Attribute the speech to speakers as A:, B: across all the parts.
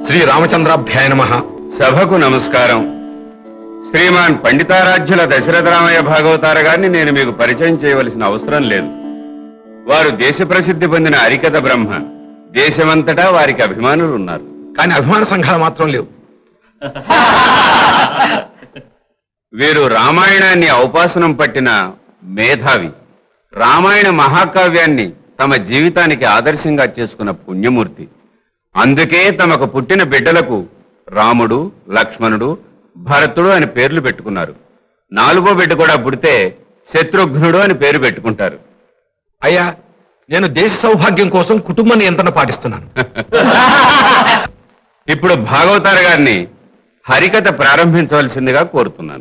A: శ్రీ రామచంద్రాభ్యాయ నమః.
B: సభకు నమస్కారం. శ్రీమాన్ పండితారాధ్యుల దశరథ రామయ్య భాగవతార గారిని నేను మీకు పరిచయం చేయవలసిన అవసరం లేదు. వారు దేశ ప్రసిద్ధి పొందిన హరికథ బ్రహ్మ. దేశమంతటా వారికి అభిమానులు ఉన్నారు.
A: కానీ అభిమాన సంఘాలు మాత్రం లేవు.
B: వీరు రామాయణాన్ని ఔపాసనం పట్టిన మేధావి. రామాయణ మహాకావ్యాన్ని తమ జీవితానికి ఆదర్శంగా చేసుకున్న పుణ్యమూర్తి. అందుకే తమకు పుట్టిన బిడ్డలకు రాముడు, లక్ష్మణుడు, భరతుడు అని పేర్లు పెట్టుకున్నారు. 4వ బిడ్డ కూడా పుడితే శత్రుఘ్నుడు అని పేరు పెట్టుకుంటారు.
A: అయ్యా, నేను దేశ సౌభాగ్యం కోసం కుటుంబ నియంత్రణ పాటిస్తున్నాను.
B: ఇప్పుడు భాగవతార గారిని హరికథ ప్రారంభించవలసిందిగా కోరుతున్నాను.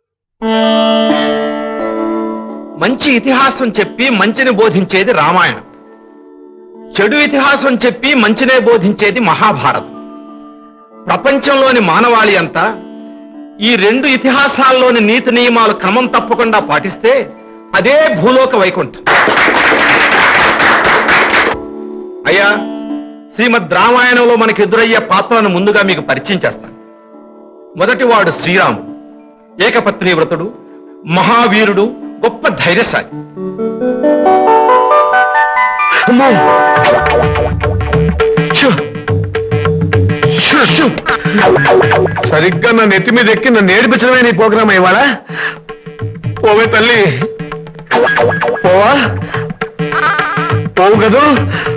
A: మంచి ఇతిహాసం చెప్పి మంచిని బోధించేది రామాయణం. చెడు ఇతిహాసం చెప్పి మంచినే బోధించేది మహాభారతం. ప్రపంచంలోని మానవాళి అంతా ఈ 2 ఇతిహాసాల్లోని నీతి నియమాలు క్రమం తప్పకుండా పాటిస్తే అదే భూలోక వైకుంఠం. అయ్యా, శ్రీమద్ రామాయణంలో మనకు ఎదురయ్యే పాత్రలను ముందుగా మీకు పరిచయం చేస్తాను. మొదటివాడు శ్రీరాముడు. ఏకపత్ని వ్రతుడు, మహావీరుడు, గొప్ప ధైర్యశాలి. సరిగ్గా నా నెత్తి మీద ఎక్కి నన్ను ఏడిపించడమే నీ ప్రోగ్రామ్ ఇవాళ. పోవే తల్లి, పోవా, పోవు కదూ.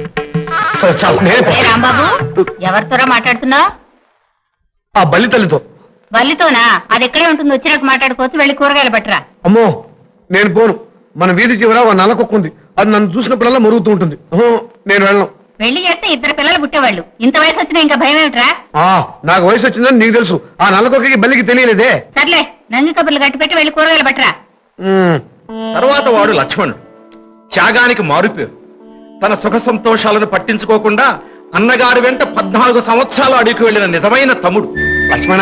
C: రాంబాబు, ఎవరితోరా మాట్లాడుతున్నావు?
A: ఆ బల్లి తల్లితో.
C: బల్లితోనా? అది ఎక్కడే ఉంటుంది, వచ్చినట్టు మాట్లాడుకోవచ్చు. వెళ్ళి కూరగాయలు పట్టరా.
A: అమ్మో, నేను పోను. మన వీధి చివర ఓ నల్లకొక్కుంది. అది నన్ను చూసినప్పుడల్లా మరుగుతూ ఉంటుంది. నేను వెళ్ళను.
C: వెళ్ళి చేస్తే 2 పిల్లలు పుట్టేవాళ్ళు. ఇంత వయసు వచ్చినా ఇంకా భయం ఏమిట్రా?
A: నాకు వయసు వచ్చిందని నీకు తెలుసు. ఆ నల్లకొక్కకి బల్లికి తెలియలేదే.
C: సర్లే, నంది కబుర్లు గట్టి పెట్టి వెళ్ళి కూరగాయలు పట్టరా.
A: తర్వాత వాడు లక్ష్మణుడు. త్యాగానికి మారుపేరు. తన సుఖ సంతోషాలను పట్టించుకోకుండా అన్నగారి వెంట 14 సంవత్సరాలు అడిగి వెళ్లిన నిజమైన తమ్ముడు. లక్ష్మణ,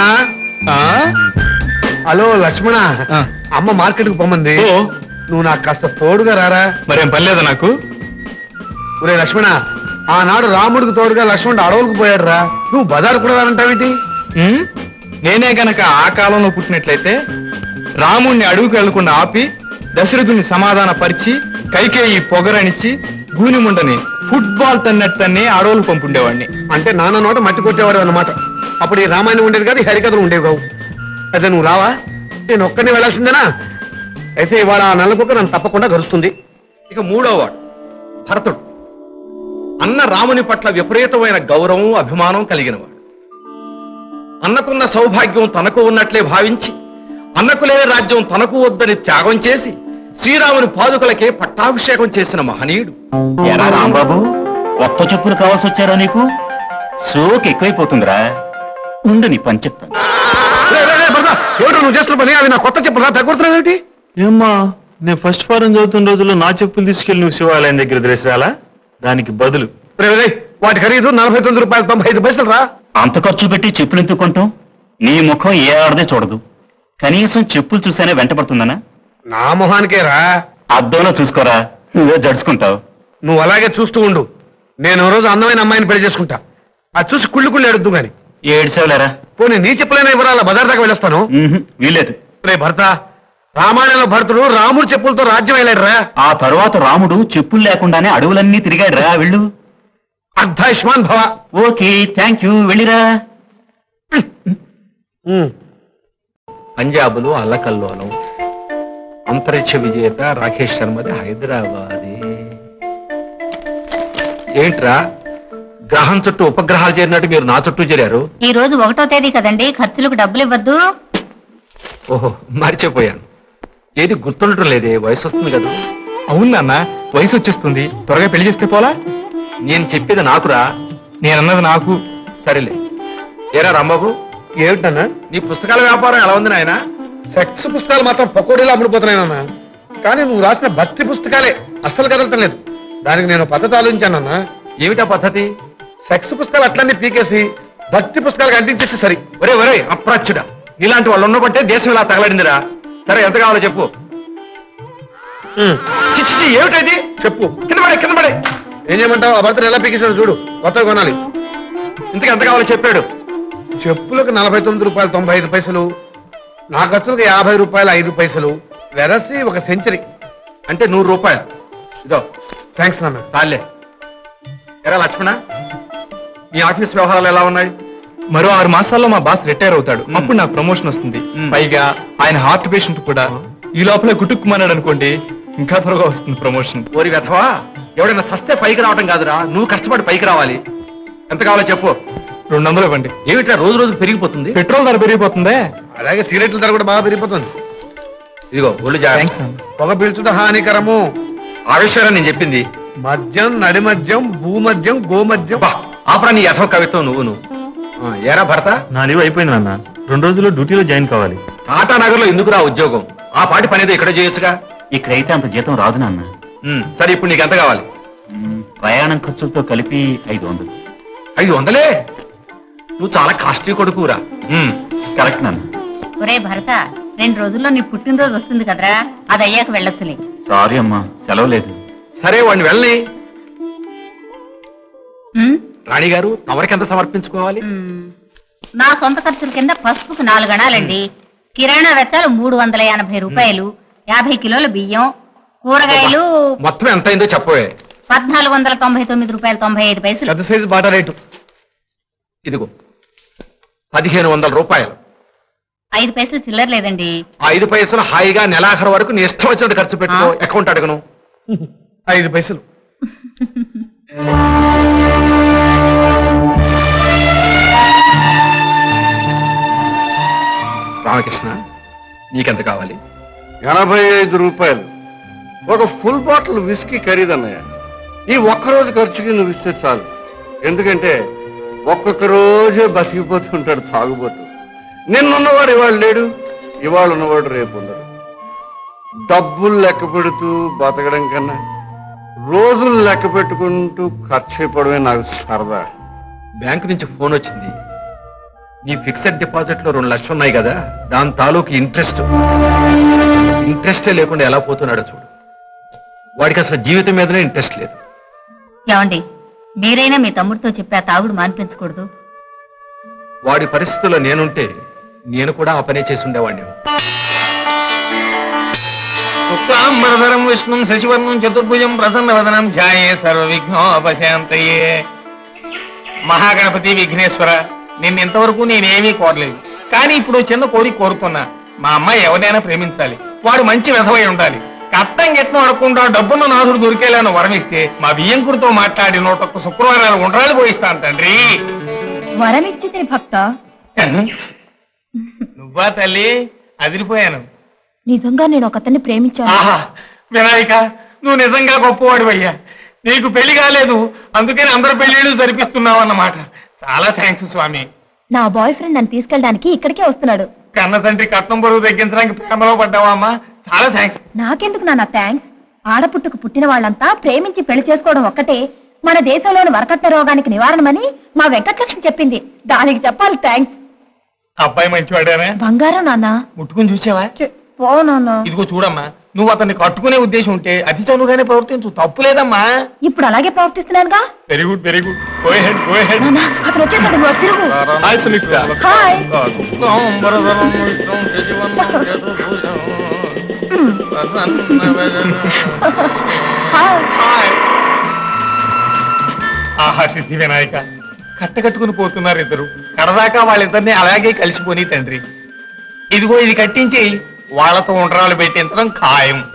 A: హలో లక్ష్మణ, అమ్మ మార్కెట్ కు పొమ్మంది. నువ్వు నాకు కాస్త తోడుగా రారా. మరేం పర్లేదా నాకు? ఒరే లక్ష్మణ, ఆనాడు రాముడికి తోడుగా లక్ష్మణుడు అడవులకు పోయాడు రా. నువ్వు బజారు కూడా రానంటావేంటి? నేనే గనక ఆ కాలంలో పుట్టినట్లయితే రాముణ్ణి అడవుకు వెళ్లకుండా ఆపి దశరథుని సమాధాన పరిచి కైకేయి పొగరనిచ్చి గూనిముండని ఫుట్బాల్ తన్నట్టని అడవులు పంపుండేవాడిని. అంటే నాన్న నోట మట్టి కొట్టేవాడు అన్నమాట. అప్పుడు ఈ రామాయణం ఉండేది కాదు, ఈ హరికథలు ఉండేవి కావు. అయితే నువ్వు రావా? నేను ఒక్కడిని వెళ్ళాల్సిందేనా? అయితే ఇవాళ ఆ నల్లకొక్క నన్ను తప్పకుండా గరుస్తుంది. ఇక 3వ వాడు భరతుడు. అన్న రాముని పట్ల విపరీతమైన గౌరవం, అభిమానం కలిగినవాడు. అన్నకున్న సౌభాగ్యం తనకు ఉన్నట్లే భావించి అన్నకు లేని రాజ్యం తనకు వద్దని త్యాగం చేసి శ్రీరాముని పాదుకలకే పట్టాభిషేకం చేసిన మహనీయుడు.
D: ఎరా రాంబాబు, కొత్త చెప్పులు కావాల్సి వచ్చారా నీకు? సోకు ఎక్కువైపోతుందిరా. ఉండు, నీ పని చెప్తాను.
A: ఏమిటో నువ్వు చేస్తున్న పని? అవి నా కొత్త చెప్పులు తగ్గుతున్నావు ఏంటి?
E: ఏమ్మా, నేను ఫస్ట్ ఫారం చదువుతున్న రోజుల్లో నా చెప్పులు తీసుకెళ్లి నువ్వు శివాలయం దగ్గర దిరేసాలా? దానికి బదులు
A: వాటి ఖరీదు 49 రూపాయలు 95 పైసలు రా.
D: అంత ఖర్చు పెట్టి చెప్పులు ఎందుకు కొంటాం? నీ ముఖం ఏ ఆడదే చూడదు. కనీసం చెప్పులు చూసానే వెంటపడుతుందనా?
A: నా మొహానికే రా.
D: అద్దంలో చూసుకోరా, నువ్వే జడుచుకుంటావు.
A: నువ్వు అలాగే చూస్తూ ఉండు. నేను ఓ రోజు అందమైన అమ్మాయిని పెళ్లి చేసుకుంటా. అది చూసి కుళ్ళు ఎడుద్దు గాని.
D: ఏడ్చావులేరా?
A: పోనీ నీ చెప్పులైనా ఇవ్వరాల, బజార్ దాకా వెళ్ళొస్తాను.
D: వీలేదు.
A: రే భర్త, రామాయణంలో భరతుడు రాముడు చెప్పులతో రాజ్యం వెళ్ళాడు రా.
D: ఆ తరువాత రాముడు చెప్పులు లేకుండానే అడవులన్నీ తిరిగాడు రా. వెళ్ళు.
A: అర్ధాయుష్మాన్ భవ.
D: ఓకే, థ్యాంక్ యూ, వెళ్ళిరా.
A: పంజాబులో అల్లకల్లోలం. అంతరిక్ష విజేత రాకేష్ శర్మది హైదరాబాద్. ఏంట్రా, గ్రహం చుట్టూ ఉపగ్రహాలు చేరినట్టు మీరు నా చుట్టూ చేరారు?
C: ఈ రోజు 1వ తేదీ కదండి, ఖర్చులకు డబ్బులు ఇవ్వద్దు.
A: ఓహో, మర్చిపోయాను. ఏది గుర్తుండటం లేదే. వయసు వస్తుంది కదా. అవును నాన్న, వయసు వచ్చేస్తుంది. త్వరగా పెళ్లి చేస్తే పోలా? నేను చెప్పేది నాకురా. నేనన్నది నాకు. సరేలే. ఏరా రాంబాబు, ఏమిటన్నా నీ పుస్తకాల వ్యాపారం ఎలా ఉంది నాయన? సెక్స్ పుస్తకాలు మాత్రం పకోడీలో అమ్ముడుపోతున్నాయన్నా. కానీ నువ్వు రాసిన భక్తి పుస్తకాలే అస్సలు కదలటం లేదు. దానికి నేను పద్ధతి ఆలోచించానన్నా. ఏమిటా పద్ధతి? సెక్స్ పుస్తకాలు అట్లన్నీ పీకేసి భక్తి పుస్తకాలకు అంటించేస్తే సరి. ఒరే ఒరే అప్రాచ్యుడా, ఇలాంటి వాళ్ళు ఉన్నబట్టే దేశం ఇలా తగలడిందిరా. సరే, ఎంత కావాలో చెప్పు. చిచ్చి, ఏమిటది చెప్పు. కింద పడే. ఏం చేయమంటావు? ఆ భర్తను ఎలా పీకేసాడు చూడు. కొత్తగా కొనాలి. ఇంతకు ఎంత కావాలో చెప్పాడు. చెప్పులకు 49 రూపాయలు 95 పైసలు, నా ఖర్చులకు 50 రూపాయలు 5 పైసలు, వెరసి ఒక సెంచరీ అంటే 100 రూపాయలు. ఇదో థ్యాంక్స్ నాన్న.
E: చాలే. ఎరా లక్ష్మణ, నీ ఆఫీస్ వ్యవహారాలు ఎలా ఉన్నాయి? మరో 6 మాసాల్లో మా బాస్ రిటైర్ అవుతాడు. అప్పుడు నాకు ప్రమోషన్ వస్తుంది. పైగా ఆయన హార్ట్ పేషెంట్ కూడా. ఈ లోపల గుటుక్కుమన్నాడు అనుకోండి, ఇంకా త్వరగా వస్తుంది ప్రమోషన్.
A: ఓరి వెధవా, ఎవడైనా సస్తే పైకి రావడం కాదురా, నువ్వు కష్టపడి పైకి రావాలి. ఎంత కావాలో చెప్పు.
E: 200 ఇవ్వండి.
A: ఏమిటా రోజు రోజు పెరిగిపోతుంది?
E: పెట్రోల్ ధర పెరిగిపోతుందే.
A: అలాగే సిగరెట్ల ధర కూడా బాగా పెరిగిపోతుంది. ఇదిగో ఒళ్ళు
E: Thanks,
A: జాగ్రత్త.
E: అన్న.
A: పొగ పీల్చుట హానికరము.
E: ఆ విషయాన్ని నేను చెప్పింది.
A: మద్యం, నడిమద్యం, భూమద్యం, గోమద్యం.
E: ఆపరా నీ యథో కవిత్వం నువ్వును.
A: ఏరా భర్త,
E: నా లీవ్ అయిపోయింది నాన్న. 2 రోజుల్లో డ్యూటీలో జాయిన్ కావాలి.
A: టాటా నగర్ లో ఎందుకురా ఉద్యోగం? ఆ పాటి పనేదో ఇక్కడ చేయొచ్చుగా.
D: ఇక్కడైతే అంత జీతం రాదు నాన్న.
A: సరే ఇప్పుడు నీకు ఎంత కావాలి?
D: ప్రయాణం ఖర్చులతో కలిపి 500.
A: 500? నువ్వు చాలా కాస్ట్లీ కొడుకురా.
D: కరెక్ట్ నాన్న.
C: ఒరే భరత, 2 రోజుల్లో నీ పుట్టినరోజు వస్తుంది కదరా, అది అయ్యాక వెళ్ళొచ్చులే.
D: సారీ అమ్మా, సెలవు లేదు.
A: సరే వాడిని వెళ్ళని.
C: ఉమ్,
A: రాణి గారు, తమరికి ఎంత సమర్పించుకోవాలి?
C: నా సొంత ఖర్చుల కింద పసుపుకు 4 గణాలండి. కిరాణా వెచ్చాలు 380 రూపాయలు, 50 కిలోల బియ్యం, కూరగాయలు
A: మొత్తం ఎంత అయిందో చెప్పవే.
C: 1499 రూపాయలు 95 పైసలు.
A: పెద్ద సైజు బాటా రేటు ఇదిగో 1500 రూపాయలు.
C: 5 పైసలు చిల్లర లేదండి.
A: ఆ 5 పైసలు హాయిగా నెలాఖరు వరకు నీ ఇష్టం వచ్చినట్టు ఖర్చు పెట్టుకో. అకౌంట్ అడగను. 5 పైసలు. రామకృష్ణ, నీకెంత కావాలి?
F: 85 రూపాయలు. ఒక ఫుల్ బాటిల్ విస్కీ ఖరీదన్నయ్య. ఈ ఒక్కరోజు ఖర్చుకి నువ్వు ఇస్తే చాలు. ఎందుకంటే ఒక్కొక్క రోజే బతికిపోతుంటాడు తాగుబోతు. నిన్నున్నవాడు ఇవాళ లేడు, ఇవాళ ఉన్నవాడు రేపు ఉండడు. డబ్బులు లెక్క పెడుతూ బతకడం కన్నా రోజులు లెక్క పెట్టుకుంటూ ఖర్చు అయిపోవడమే నాకు సరదా.
A: బ్యాంకు నుంచి ఫోన్ వచ్చింది. నీ ఫిక్స్డ్ డిపాజిట్ లో 2 లక్షలు ఉన్నాయి కదా, దాని తాలూకు ఇంట్రెస్టే లేకుండా ఎలా పోతున్నాడో చూడు. వాడికి అసలు జీవితం మీదనే ఇంట్రెస్ట్ లేదు.
C: ఏమండి, మీరైనా మీ తమ్ముడితో చెప్పి ఆ తాగుడు మానిపించకూడదు.
A: వాడి పరిస్థితుల్లో నేనుంటే నేను కూడా ఆ పనే చేసి ఉండేవాడిని.
E: శుక్లాంబరధరం విష్ణుం శశివర్ణం చతుర్భుజం ప్రసన్నవదనం ధ్యాయే సర్వవిఘ్నోపశాంతయే. మహాగణపతి విఘ్నేశ్వర, నిన్నింతవరకు నేనేమీ కోరలేదు. కానీ ఇప్పుడు చిన్న కోరిక కోరుకున్నా. మా అమ్మాయి ఎవరైనా ప్రేమించాలి, వాడు మంచి వెధవై ఉండాలి. కట్టం గిట్టం అడగకుండా డబ్బున్న నాథుడు దొరికేలాను వరమిస్తే మా బియ్యంకుడితో మాట్లాడి 101 శుక్రవారాలు ఉండ్రాలు పోయిస్తాను తండ్రి.
C: వరమిచ్చి భక్త,
E: నువ్వా తల్లి? అదిరిపోయాను.
C: నిజంగా నేను ఒకతన్ని ప్రేమించాను.
E: ఆహా, వినాయక, నువ్వు నిజంగా గొప్పవాడివయ్యా. నీకు పెళ్లి కాలేదు, అందుకని అందరు పెళ్లిళ్ళు జరిపిస్తున్నావు అన్నమాట. చాలా థ్యాంక్స్ స్వామి.
C: నా బాయ్ ఫ్రెండ్ నన్ను తీసుకెళ్ళడానికి ఇక్కడికే వస్తున్నాడు.
E: కన్న తండ్రి కట్నం బరువు తగ్గించడానికి ప్రేమలో పడ్డావా అమ్మా? చాలా థ్యాంక్స్.
C: నాకెందుకు నాన్న థ్యాంక్స్? ఆడపుట్టుకు పుట్టిన వాళ్ళంతా ప్రేమించి పెళ్లి చేసుకోవడం ఒక్కటే మన దేశంలోని వరకట్న రోగానికి నివారణమని మా వెంకటలక్ష్మి చెప్పింది. దానికి చెప్పాలి థ్యాంక్స్.
E: అబ్బాయి మంచివాడేనా?
C: బంగారం నాన్న.
E: ముట్టుకుని చూసావా?
C: పో నాన్న.
E: ఇదిగో చూడమ్మా, నువ్వు అతన్ని కట్టుకునే ఉద్దేశం ఉంటే అతి చనువుగానే ప్రవర్తించు, తప్పు లేదమ్మా.
C: ఇప్పుడు అలాగే ప్రవర్తిస్తున్నానుగా.
E: Very good, very good. Go ahead, go ahead.
C: నాన్న, అతను వచ్చేసాడు, నువ్వు తిరుగు.
E: హాయ్ సునీత.
C: హాయ్. హాయ్.
E: ఆహా, సిద్ధి వినాయక, కట్టకట్టుకుని పోతున్నారు ఇద్దరు. కడదాకా వాళ్ళిద్దరిని అలాగే కలిసిపోని తండ్రి. ఇదిగో ఇది కట్టించి వాళ్ళతో ఉండ్రాలు పెట్టించడం ఖాయం.